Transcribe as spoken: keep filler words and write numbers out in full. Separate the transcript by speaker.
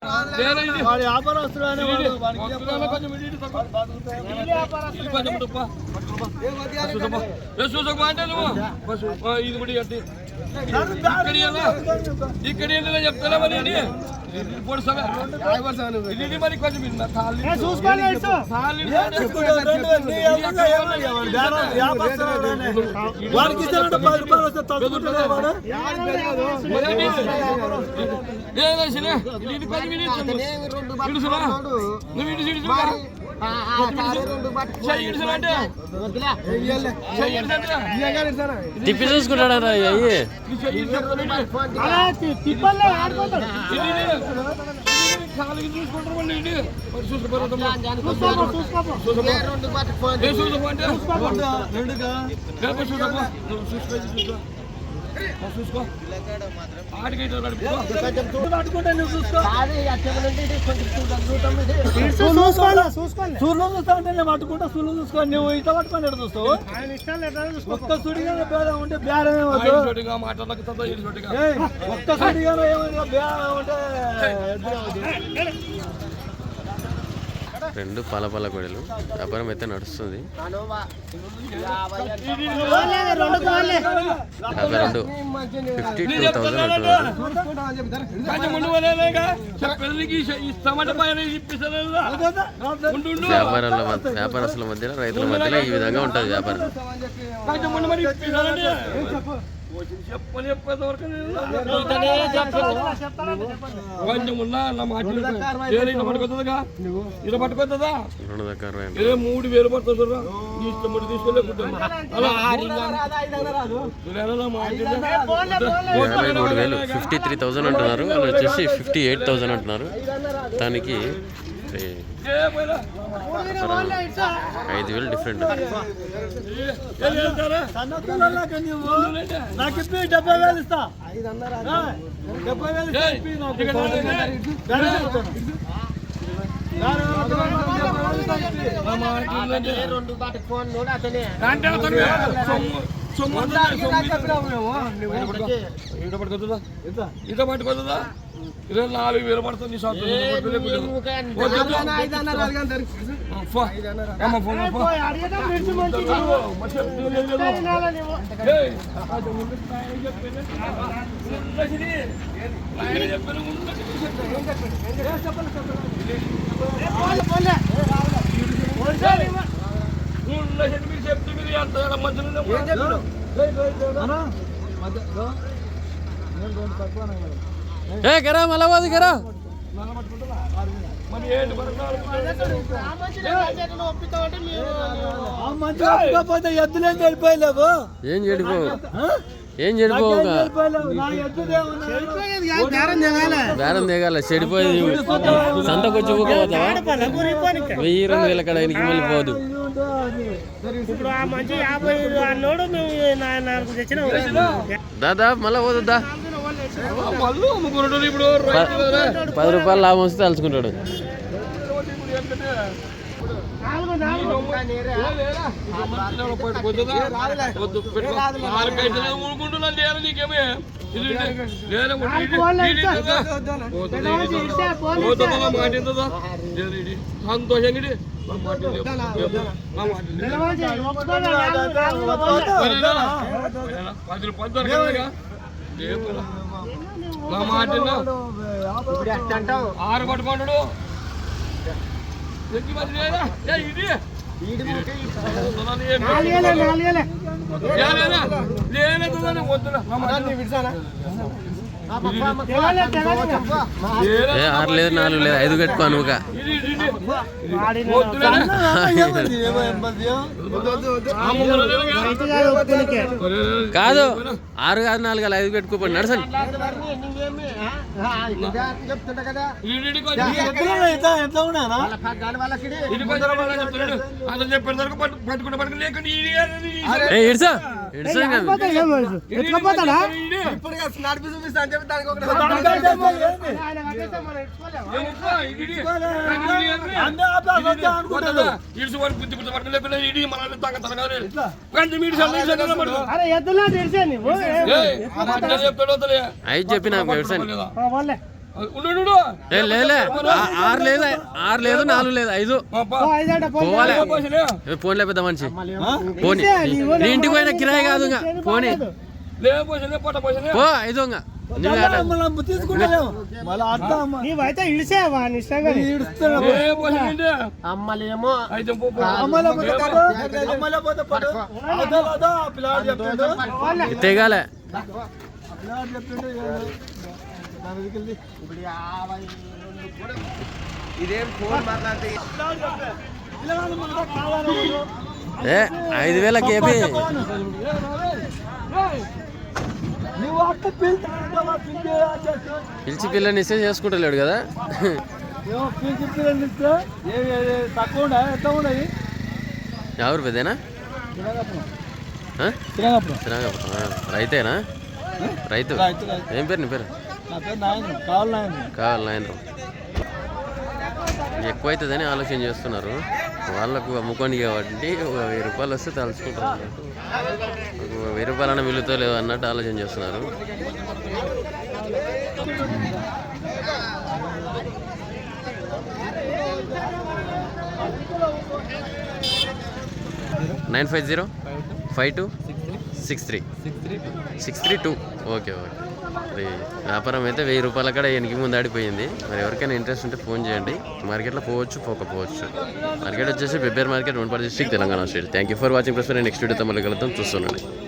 Speaker 1: ఇక్కడ చెప్తారా మరి మరి కొంచెం
Speaker 2: తిప్పి చూసుకుంటాడా అయ్యి
Speaker 1: కాలికి చూసుకుంటారు చూసుకో సూర్లో చూస్తా అంటే నేను పట్టుకుంటా సూర్లో చూసుకో నువ్వు ఇట్లా పట్టుకొని ఎక్కడ చూస్తావు ఒక్క సుడిగా భేదం ఉంటే బేరమే ఒక్క సుడిగా ఏమైనా బేరం ఉంటే
Speaker 2: రెండు పలపల గొడవలు వ్యాపారం అయితే నడుస్తుంది. యాభై రెండు ఫిఫ్టీ టూ థౌసండ్ అంటున్నారు. వ్యాపారాల వ్యాపారస్తుల మధ్యలో రైతుల మధ్యలో ఈ విధంగా ఉంటుంది వ్యాపారం.
Speaker 1: మూడు వేలు పడుతుంది
Speaker 2: మూడు వేలు ఫిఫ్టీ త్రీ థౌసండ్ అంటున్నారు. వాళ్ళు వచ్చేసి ఫిఫ్టీ ఎయిట్ థౌసండ్ అంటున్నారు. దానికి ఐదు వేలు డిఫరెంట్.
Speaker 1: డెబ్బై వేలు ఇస్తా ఇట పట్టుకోదా ఇరవై నాలుగు వేలు పడుతుంది. చెప్తే మీరు ఎంత మధ్యలో
Speaker 2: ఏ గరా మళ్ళా పోదు గరా
Speaker 1: ఎద్దులేం చెడిపోయలేవు
Speaker 2: ఏం చెడిపోవు ఏం చెడిపోవు బేరం దిగాల చెడిపోయేది. సంతకొచ్చి ఊకపోతావా వెయ్యి రెండు వేల కడ ఆయనకి మళ్ళీ పోదు. దాదా మళ్ళా పోతుందా పది రూపాయలు లాభం వస్తే తలుచుకుంటాడు.
Speaker 1: సంతోషంగా పది రూపాయలు నా మాట ఆరు పట్టుకుంటాడు
Speaker 2: ఆరు లేదు నాలుగు లేదు ఐదు కట్టుకో నువ్వుగా కాదు ఆరు కాదు నాలుగు కాదు ఐదు పెట్టుకోపోయి నడసండి. ఇడ్సా ఇడ్సా ఐదు చెప్పిన ఏ లేలే ఆ- ఆరు లేదు ఆరు లేదు నాలుగు లేదు ఐదు పోవాలి ఫోన్ లేపిద్దా మనిషి పోనీ నీ ఇంటికి పోయిన కిరాయి కాదు ఇంకా పోనీ పో ఐదు ఇంకా నువ్వు ఆట.
Speaker 1: తీసుకుంటలేము మళ్ళీ అర్థం
Speaker 3: నీవైతే ఇడిసేవా నిష్టంగా
Speaker 2: అమ్మలేమో తెగాలే
Speaker 4: ఇదేం ఫోన్ మాట్లాడితే
Speaker 2: ఏ ఐదు వేలకి ఏపీ పిలిచి పిల్లని ఇస్తే చేసుకుంటలేడు కదా
Speaker 1: పిలిచి పిల్లలు ఇస్తే తక్కువ ఉండే ఎంత ఉన్నాయి
Speaker 2: ఎవరు పెదేనా శ్రీరంగపురం రైతేనా రైతు ఏం పేరు నీ పేరు
Speaker 1: నా పేరు నాయన కావాలి నాయన
Speaker 2: కావాలి నాయనరావు ఎక్కువ అవుతుందని ఆలోచన చేస్తున్నారు వాళ్ళకు అమ్ముకోండి కాబట్టి ఒక వెయ్యి రూపాయలు వస్తే తలుచుకుంటారు అన్నట్టు ఒక వెయ్యి రూపాయలన్నా మిగులుతో లేవు అన్నట్టు ఆలోచన చేస్తున్నారు nine five zero five two six three six three two okay okay మరి వ్యాపారం అయితే వెయ్యి రూపాయల కాడ ఎనికి ముందు ఆడిపోయింది మరి ఎవరికైనా ఇంట్రెస్ట్ ఉంటే ఫోన్ చేయండి మార్కెట్లో పోవచ్చు పోకపోవచ్చు మార్కెట్ వచ్చేసి బెబ్బేర్ market Wanaparthy district Telangana state thank you for watching plus next వీడియోతో మళ్ళీ కలుద్దాం చూస్తున్నాను